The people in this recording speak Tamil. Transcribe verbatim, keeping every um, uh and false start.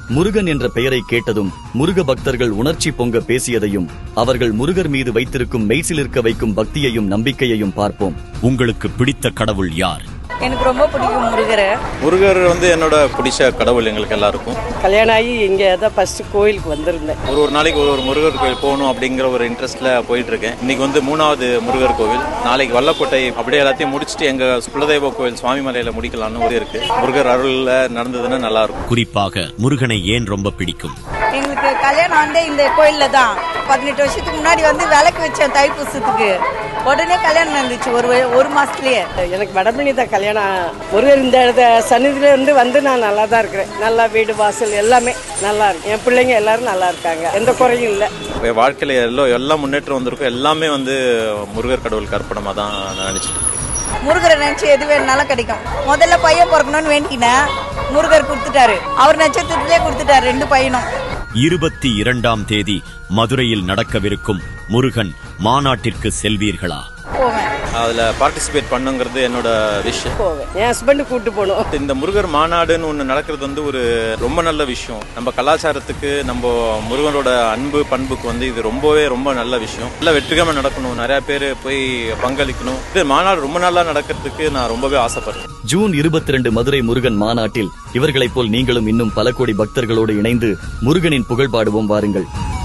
முருகன் என்ற பெயரை கேட்டதும் முருக பக்தர்கள் உணர்ச்சி பொங்க பேசியதையும் அவர்கள் முருகர் மீது வைத்திருக்கும் மெய்சிலிருக்க வைக்கும் பக்தியையும் நம்பிக்கையையும் பார்ப்போம். உங்களுக்கு பிடித்த கடவுள் யார்? எனக்கு ரொம்ப பிடிக்கும் முருகர். முருகர் வந்து என்னோட பிடிச்ச கடவுள் எங்களுக்கு எல்லாருக்கும். கல்யாணம் ஆகி இங்கே தான் ஃபர்ஸ்ட் கோயிலுக்கு வந்திருந்தேன். ஒரு ஒரு நாளைக்கு ஒரு ஒரு முருகர் கோயில் போகணும் அப்படிங்கிற ஒரு இன்ட்ரெஸ்ட்ல போயிட்டு இருக்கேன். இன்னைக்கு வந்து மூணாவது முருகர் கோவில், நாளைக்கு வல்லக்கோட்டை அப்படியே எல்லாத்தையும் முடிச்சுட்டு எங்க குலதெய்வ கோவில் சுவாமிமலையில முடிக்கலாம்னு ஒரு இருக்கு. முருகர் அருள்ல நடந்ததுன்னா நல்லா இருக்கும். குறிப்பாக முருகனை ஏன் ரொம்ப பிடிக்கும்? எங்களுக்கு கல்யாணம் வந்து இந்த கோயில்ல தான். பதினெட்டு வருஷத்துக்கு முன்னாடி வந்து விளக்கு வச்சேன் தைப்பூசத்துக்கு. உடனே கல்யாணம் நடந்துச்சு ஒரு ஒரு மாசத்துலயே. எனக்கு வடமணி தான் கல்யாணம். முருகர் இந்த சன்னிதியில இருந்து வந்து நான் நல்லா தான் இருக்கிறேன். நல்லா வீடு வாசல் எல்லாமே நல்லா இருக்கு. என் பிள்ளைங்க எல்லாரும் நல்லா இருக்காங்க, எந்த குறையும் இல்லை. வாழ்க்கையில எல்லாம் எல்லாம் முன்னேற்றம் வந்திருக்கும். எல்லாமே வந்து முருகர் கடவுளுக்கு அர்ப்பணமா தான் நான் நினைச்சிட்டு இருக்கேன். முருகரை நினைச்சு எது வேணும்னாலும் கிடைக்கும். முதல்ல பையன் பிறக்கணும்னு வேண்டிக்கினேன், முருகர் கொடுத்துட்டாரு. அவர் நட்சத்திரத்திலே கொடுத்துட்டாரு ரெண்டு பையனும். இருபத்தி இரண்டாம் தேதி மதுரையில் நடக்கவிருக்கும் முருகன் மாநாட்டிற்கு செல்வீர்களா? போவேன். அதுல பார்ட்டிசிபேட் பண்ணுங்கிறது என்னோட விஷயம். போவேன், என் ஹஸ்பண்ட் கூட்டு போகணும். இந்த முருகர் மாநாடுன்னு ஒன்று நடக்கிறது வந்து ஒரு ரொம்ப நல்ல விஷயம். நம்ம கலாச்சாரத்துக்கு, நம்ம முருகனோட அன்பு பண்புக்கு வந்து இது ரொம்பவே ரொம்ப நல்ல விஷயம். நல்லா வெற்றிகரமா நடக்கணும், நிறைய பேர் போய் பங்களிக்கணும். இது மாநாடு ரொம்ப நல்லா நடக்கிறதுக்கு நான் ரொம்பவே ஆசைப்படுறேன். ஜூன் இருபத்தி ரெண்டு மதுரை முருகன் மாநாட்டில் இவர்களைப் போல் நீங்களும் இன்னும் பல கோடி பக்தர்களோடு இணைந்து முருகனின் புகழ் பாடுவோம் வாருங்கள்.